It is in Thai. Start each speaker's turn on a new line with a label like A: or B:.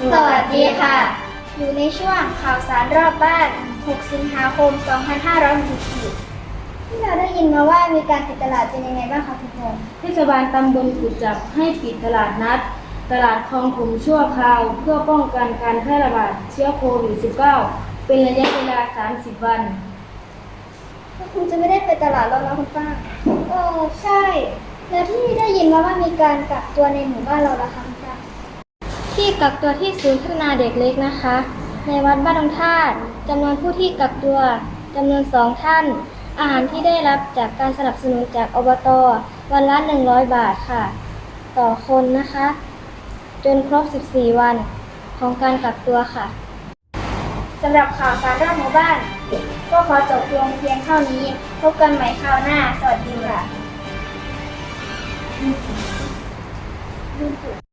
A: สวัสดีค่ะ อยู่ในช่วงข่าวสารรอบบ้าน 6 สิงหาคม 2564ที่เราได้ยินมาว่ามีการปิดตลาดเป็นยังไงบ้างคะทุกคน
B: เทศบาลตำบลกุดจับให้ปิดตลาดนัด ตลาดคลองถมชั่วคราวเพื่อป้องกันการแพร่ระบาดเชื้อโควิด -19 เป็นระยะเวลา 30 วัน
A: ก็คงจะไม่ได้ไปตลาดแล้วนะคุณป้าใช่ แล้วที่ได้ยินมาว่ามีการกักตัวในหมู่บ้านเราละคะคุณป้าที่กักตัวที่ศูนย์พัฒนาเด็กเล็กนะคะ ในวัดบ้านดงธาตุจำนวนผู้ที่กักตัวจำนวน2 ท่าน อาหารที่ได้รับจากการสนับสนุนจากอบต.วันละ100 บาทค่ะ ต่อคนนะคะ จนครบ 14 วันของการกักตัวค่ะสำหรับข่าวสารรอบหมู่บ้าน ก็ขอจบลงเพียงเท่านี้ พบกันใหม่คราวหน้า สวัสดีค่ะ